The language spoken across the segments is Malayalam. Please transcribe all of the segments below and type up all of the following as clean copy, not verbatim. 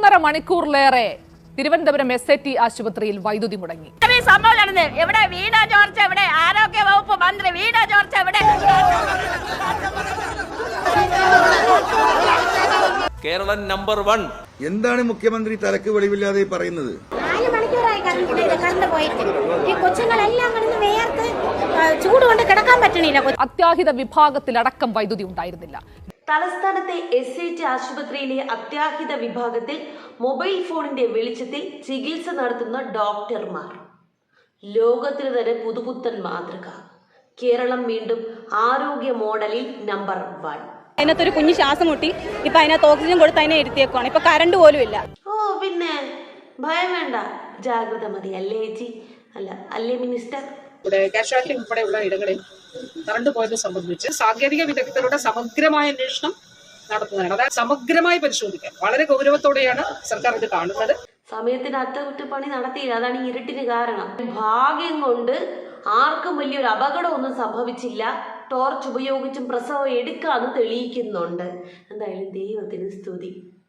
1.5 മണിക്കൂറിലേറെ തിരുവനന്തപുരം SAT ആശുപത്രിയിൽ വൈദ്യുതി മുടങ്ങി. എവിടെ വീണ ജോർജ്, എവിടെ ആരോഗ്യ വകുപ്പ് മന്ത്രി വീണ ജോർജ്, എവിടെ? കേരളം നമ്പർ 1. എന്താണ് മുഖ്യമന്ത്രി തലക്ക് വെളിവില്ലാതെ പറയുന്നത്? 4 മണിക്കൂറായി കറണ്ട് പോയിട്ട് ഈ കൊച്ചുങ്ങളെല്ലാം കിടന്ന് വേർത്ത് ചൂട് കൊണ്ട് കിടക്കാൻ പറ്റണില്ല. അത്യാഹിത വിഭാഗത്തിലടക്കം വൈദ്യുതി ഉണ്ടായിരുന്നില്ല. തലസ്ഥാനത്തെ SAT ആശുപത്രിയിലെ അത്യാഹിത വിഭാഗത്തിൽ മൊബൈൽ ഫോണിന്റെ വെളിച്ചത്തിൽ ചികിത്സ നടത്തുന്ന ഡോക്ടർമാർ. ലോകത്തിന് തന്നെ പുതുപുത്തൻ മാതൃക. കേരളം വീണ്ടും ആരോഗ്യ മോഡലിൽ നമ്പർ 1. അതിനകത്തൊരു കുഞ്ഞു ശ്വാസം മുട്ടി, ഇപ്പൊ അതിനകത്ത് ഓക്സിജൻ കൊടുത്ത് അതിനെ ഇരുത്തിയേക്കുവാണ്. ഇപ്പൊ കറണ്ട് പോലും ഇല്ല. പിന്നെ ഭയം വേണ്ട, ജാഗ്രത മതി. അല്ലേ ചേച്ചി? അല്ലേ മിനിസ്റ്റർ? കാഷ്വാലിറ്റി ഉൾപ്പെടെയുള്ള ഇടങ്ങളിൽ കറണ്ട് പോയത് സംബന്ധിച്ച് സാങ്കേതിക വിദഗ്ധരുടെ സമഗ്രമായ അന്വേഷണം നടത്തുന്നതാണ്. അതായത് സമഗ്രമായി പരിശോധിക്കാൻ വളരെ ഗൗരവത്തോടെയാണ് സർക്കാർ ഇത് കാണുന്നത്. സമയത്തിന് അറ്റകുറ്റപ്പണി നടത്തിയില്ല, അതാണ് ഈ ഇരുട്ടിന് കാരണം. ഭാഗ്യം കൊണ്ട് ആർക്കും വലിയൊരു അപകടമൊന്നും സംഭവിച്ചില്ല. ടോർച്ച് ഉപയോഗിച്ചും പ്രസവം എടുക്കാന്ന് തെളിയിക്കുന്നുണ്ട്. എന്തായാലും ദൈവത്തിന് സ്തുതി.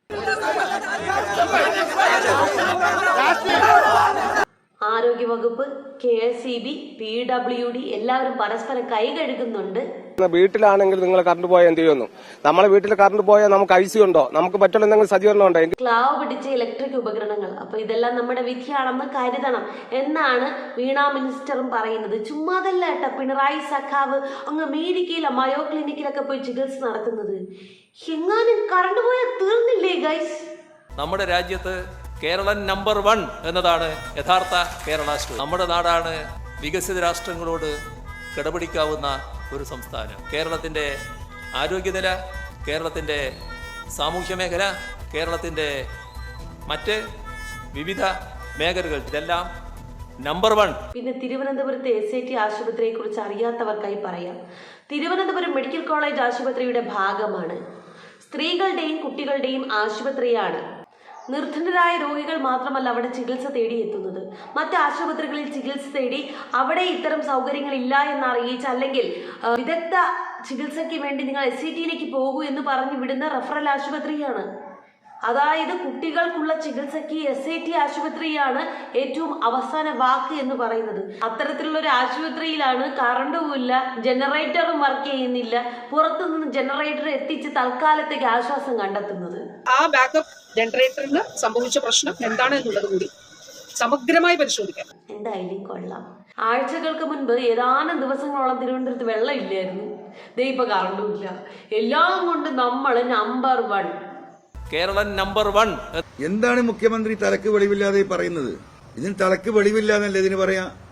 ആരോഗ്യവകുപ്പ്, KSEB, PWD എല്ലാവരും പരസ്പരം കൈ കഴുകുന്നുണ്ട്. വീട്ടിലാണെങ്കിൽ നിങ്ങൾ കറണ്ട് പോയാൽ എന്ത് ചെയ്യുന്നു? നമ്മളെ വീട്ടിൽ കറണ്ട് പോയാൽ നമുക്ക് IC ഉണ്ടോ? നമുക്ക് പറ്റുള്ള എന്തെങ്കിലും സജ്ജീകരണം ഉണ്ടോ? ക്ലാവ് പിടിച്ച ഇലക്ട്രിക് ഉപകരണങ്ങൾ. അപ്പൊ ഇതെല്ലാം നമ്മുടെ വിധിയാണെന്ന് കരുതണം എന്നാണ് വീണ മിനിസ്റ്ററും പറയുന്നത്. ചുമ്മാതല്ല കേട്ട പിണറായി സഖാവ് അങ്ങ് അമേരിക്കയിലെ മയോ ക്ലിനിക്കിലൊക്കെ പോയി ചികിത്സ നടത്തുന്നത്. എങ്ങാനും കറണ്ട് പോയാൽ തീർന്നില്ലേ ഗൈസ്? നമ്മുടെ രാജ്യത്ത് കേരളം നമ്പർ 1 എന്നതാണ് യഥാർത്ഥ കേരള സ്റ്റോറി. നമ്മുടെ നാടാണ് വികസിത രാഷ്ട്രങ്ങളോട് കിടപിടിക്കാവുന്ന ഒരു സംസ്ഥാനം. കേരളത്തിൻ്റെ ആരോഗ്യനില, കേരളത്തിൻ്റെ സാമൂഹ്യ മേഖല, കേരളത്തിൻ്റെ മറ്റ് വിവിധ മേഖലകൾ, ഇതെല്ലാം നമ്പർ 1. പിന്നെ തിരുവനന്തപുരത്തെ SAT ആശുപത്രിയെ കുറിച്ച് അറിയാത്തവർക്കായി പറയാം. തിരുവനന്തപുരം മെഡിക്കൽ കോളേജ് ആശുപത്രിയുടെ ഭാഗമാണ്. സ്ത്രീകളുടെയും കുട്ടികളുടെയും ആശുപത്രിയാണ്. നിർധനരായ രോഗികൾ മാത്രമല്ല അവിടെ ചികിത്സ തേടി എത്തുന്നത്. മറ്റ് ആശുപത്രികളിൽ ചികിത്സ തേടി അവിടെ ഇത്തരം സൗകര്യങ്ങൾ ഇല്ല എന്ന് അറിയിച്ച്, അല്ലെങ്കിൽ വിദഗ്ധ ചികിത്സയ്ക്ക് വേണ്ടി നിങ്ങൾ SATയിലേക്ക് പോകൂ എന്ന് പറഞ്ഞു വിടുന്ന റഫറൽ ആശുപത്രിയാണ്. അതായത് കുട്ടികൾക്കുള്ള ചികിത്സയ്ക്ക് SAT ആശുപത്രിയാണ് ഏറ്റവും അവസാന വാക്ക് എന്ന് പറയുന്നത്. അത്തരത്തിലുള്ള ഒരു ആശുപത്രിയിലാണ് കറണ്ടും ഇല്ല, ജനറേറ്ററും വർക്ക് ചെയ്യുന്നില്ല, പുറത്തുനിന്ന് ജനറേറ്റർ എത്തിച്ച് തൽക്കാലത്തേക്ക് ആശ്വാസം കണ്ടെത്തുന്നത്. ആ ബാക്കപ്പ് ജനറേറ്ററിന് സംഭവിച്ച പ്രശ്നം എന്താണ് എന്നുള്ളത് കൂടി സമഗ്രമായി പരിശോധിക്കാം. എന്തായാലും കൊള്ളാം. ആഴ്ചകൾക്ക് മുൻപ് ഏതാനും ദിവസങ്ങളോളം തിരുവനന്തപുരത്ത് വെള്ളം ഇല്ലായിരുന്നു. ഇപ്പൊ കറണ്ടും ഇല്ല. എല്ലാം കൊണ്ട് നമ്മൾ നമ്പർ 1. കേരളം നമ്പർ 1. എന്താണ് മുഖ്യമന്ത്രി തലക്ക് വെളിവില്ലാതെ പറയുന്നത്? ഇതിന് തലക്ക് വെളിവില്ല എന്നല്ലേ ഇതിന് പറയാ?